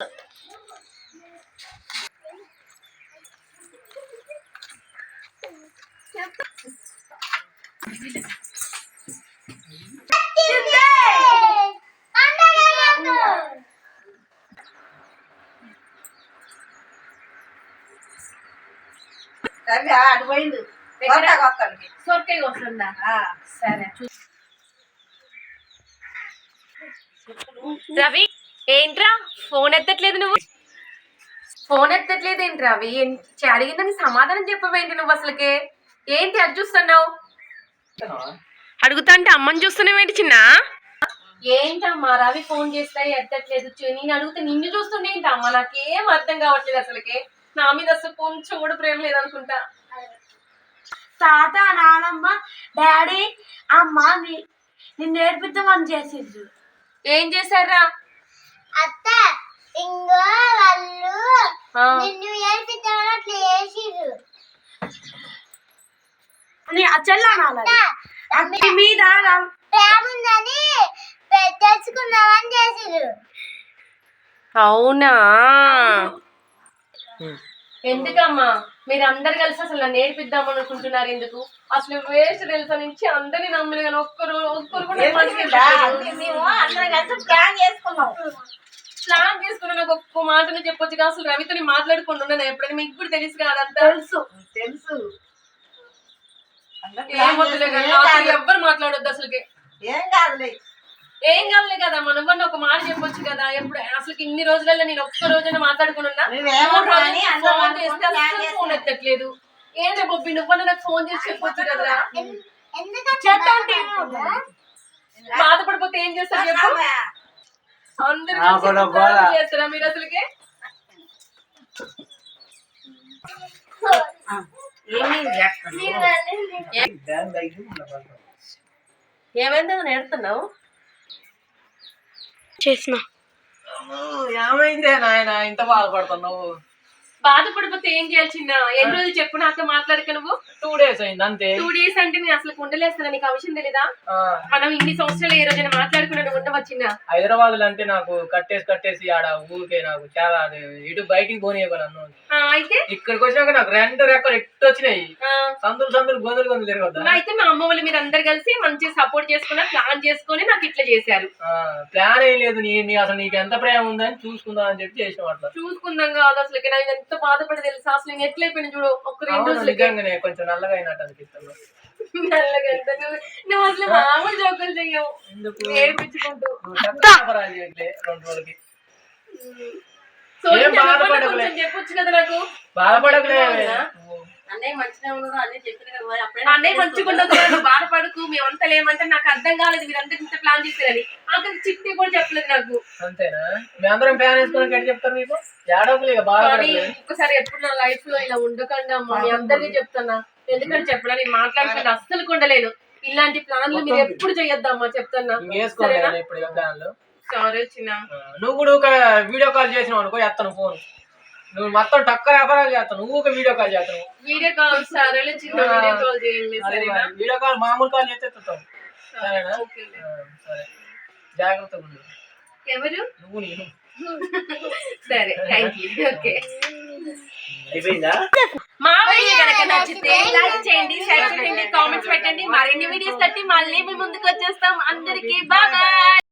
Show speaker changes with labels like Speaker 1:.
Speaker 1: అటు పోయింది సొరకాయ వస్తుందా? సరే.
Speaker 2: రవి ఏంట్రా ఫోన్ ఎత్తట్లేదు? నువ్వు ఫోన్ ఎత్తట్లేదు ఏంటి రవి? అడిగిందని సమాధానం చెప్పవేంటి నువ్వు? అసలుకే ఏంటి అది చూస్తున్నావు? అడుగుతా అంటే అమ్మని చూస్తున్నావు ఏంటి చిన్న? ఏంటమ్మా రవి ఫోన్ చేస్తా ఎత్తట్లేదు, నేను అడిగితే నిన్ను చూస్తుండే ఏంటమ్మా? నాకేం అర్థం కావట్లేదు అసలుకే. నా మీద అసలు కొంచెం కూడా ప్రేమ లేదనుకుంటా.
Speaker 1: తాత, నానమ్మ, డాడీ, అమ్మ నిన్ను నేర్పిద్దామని చేసిండ్రు.
Speaker 2: ఏం చేశారా?
Speaker 3: అత్త ఇంగో వాళ్ళు నిన్ను నేర్పిద్దామని అట్లా చేసిండ్రు.
Speaker 1: అన్ని మీద
Speaker 3: ప్రేమ ఉందని తెలుసుకుందామని చేసిండ్రు.
Speaker 2: అవునా? ఎందుకమ్మా మీరు అందరు కలిసి అసలు నేర్పిద్దాం అనుకుంటున్నారు? ఎందుకు? అసలు వేస్ట్ తెలుసా నుంచి అందరినీ నమ్మలు కానీ ఒక్కరు ప్లాన్ చేసుకున్నా నాకు ఒక్క మాటను చెప్పొచ్చు కదా. అసలు రవితో మాట్లాడుకుంటున్నాను ఎప్పుడైనా? మీకు కూడా తెలుసు కాదంతా.
Speaker 1: తెలుసు
Speaker 2: ఏమొద్దులే కదా, ఎవ్వరు మాట్లాడొద్దు అసలుకి. ఏం కాదులే కదా, మనం ఒక మాట చెప్పొచ్చు కదా. ఎప్పుడు అసలు ఇన్ని రోజులలో నేను ఒక్క రోజైనా మాట్లాడుకున్నా? ఫోన్ ఎత్తట్లేదు. ఏంటి బొబ్బి నువ్వన్నా నాకు ఫోన్ చేసి చెప్పొచ్చు కదరా. బాధపడిపోతే ఏం చేస్తారు చెప్పు? అందరూ చేస్తారా మీరు అసలుకి? ఏమైందో నేర్తున్నావు?
Speaker 1: చేసిన
Speaker 4: ఏమైందే నాయన ఇంత బాధపడుతున్నావు?
Speaker 2: బాధపడిపోతే ఏం చేయాలి చిన్న? ఎన్ని రోజులు చెప్పు నాతో మాట్లాడక నువ్వు?
Speaker 4: 2 days అయింది అంతే.
Speaker 2: 2 days అంటే నేను అసలు ఉండలేస్తున్నా. నీకు ఆ విషయం తెలీదా? మనం ఇన్ని సంవత్సరాలు ఏ రోజైనా మాట్లాడుకున్నాడు ఉండవచ్చిన?
Speaker 4: హైదరాబాద్ లో అంటే నాకు కట్టేసి ఆడ ఊరికే నాకు చాలా ఇటు బయటికి పోనీయకు నన్ను.
Speaker 2: అయితే
Speaker 4: ఇక్కడికి వచ్చినాక నాకు 2 రెక్కలు ఎట్టు వచ్చినాయి. సందులు గొంతులు తిరగద్దా?
Speaker 2: అయితే మా అమ్మ వాళ్ళు మీరు అందరు కలిసి మంచిగా సపోర్ట్ చేసుకున్నా, ప్లాన్ చేసుకుని నాకు ఇట్లా చేశారు.
Speaker 4: ప్లాన్ ఏం లేదు. అసలు నీకు ఎంత ప్రేమ ఉందని చూసుకుందాం అని చెప్పి చేసిన అట్లా.
Speaker 2: చూసుకుందాం కాదు అసలు నాకు ఎంత బాధపడి తెలుసా? అసలు నేను ఎట్లయిపోయినా చూడు. ఒక 2 రోజులు
Speaker 4: కొంచెం నల్లగా అయినట్టు అనిపిస్తుంది.
Speaker 2: నల్లగా నువ్వు అసలు మామూలు జోకులు చెయ్యవు. నేర్పించుకుంటూ
Speaker 4: 2 రోజులకి
Speaker 2: చెప్పొచ్చు కదా నాకు.
Speaker 4: బాధపడకలే
Speaker 2: అన్నయ్య మంచిగా ఉండదు అన్నీ చెప్పిన కదా. అన్నయ్య మంచిగా ఉండదు, బాధపడకు. మేమంతా లేమంటే నాకు అర్థం కాలేదు మీరంతా ఇంత ప్లాన్ చేశారని. అక్కడ చిట్టి కూడా చెప్పలేదు నాకు.
Speaker 4: అంతేనా? మీ అందరం ప్లాన్ వేసుకుని ఎట్లా చెప్తారు మీకు?
Speaker 2: ఒక్కసారి ఎప్పుడు నా లైఫ్ లో ఇలా ఉండకండి అమ్మా. మీ అందరికీ చెప్తున్నా. ఎందుకంటే చెప్పడా నేను మాట్లాడుకుంటే అస్సలు ఉండలేను. ఇలాంటి ప్లాన్లు మీరు ఎప్పుడు చెయ్యొద్దమ్మా చెప్తున్నా. సరే చిన్న.
Speaker 4: నువ్వు కూడా ఒక వీడియో కాల్ చేసినావు అనుకో, ఎత్తను ఫోన్. నువ్వు మొత్తం టక్క వ్యాపారాలు చేస్తావు. నువ్వు ఒక వీడియో కాల్ చేస్తావు.
Speaker 2: వీడియో కాల్ సరే చిన్న, వీడియో కాల్ చేయండి. సరేనా?
Speaker 4: వీడియో కాల్ మామూలు కాల్ చేస్తే ఎత్తుతావు. సరేనా? సరే, జాగ్రత్తగా ఉండు.
Speaker 2: ఎవరు?
Speaker 4: నువ్వు నేను.
Speaker 2: సరే, థ్యాంక్ యూ. ఓకే.
Speaker 4: అయిపోయిందా?
Speaker 2: మా వీడియో కనుక నచ్చితే లైక్ చేయండి, షేర్ చేయండి, కామెంట్స్ పెట్టండి. మరిన్ని వీడియోస్ తట్టి మళ్ళీ మీ ముందుకు వచ్చేస్తాం. అందరికీ బాయ్.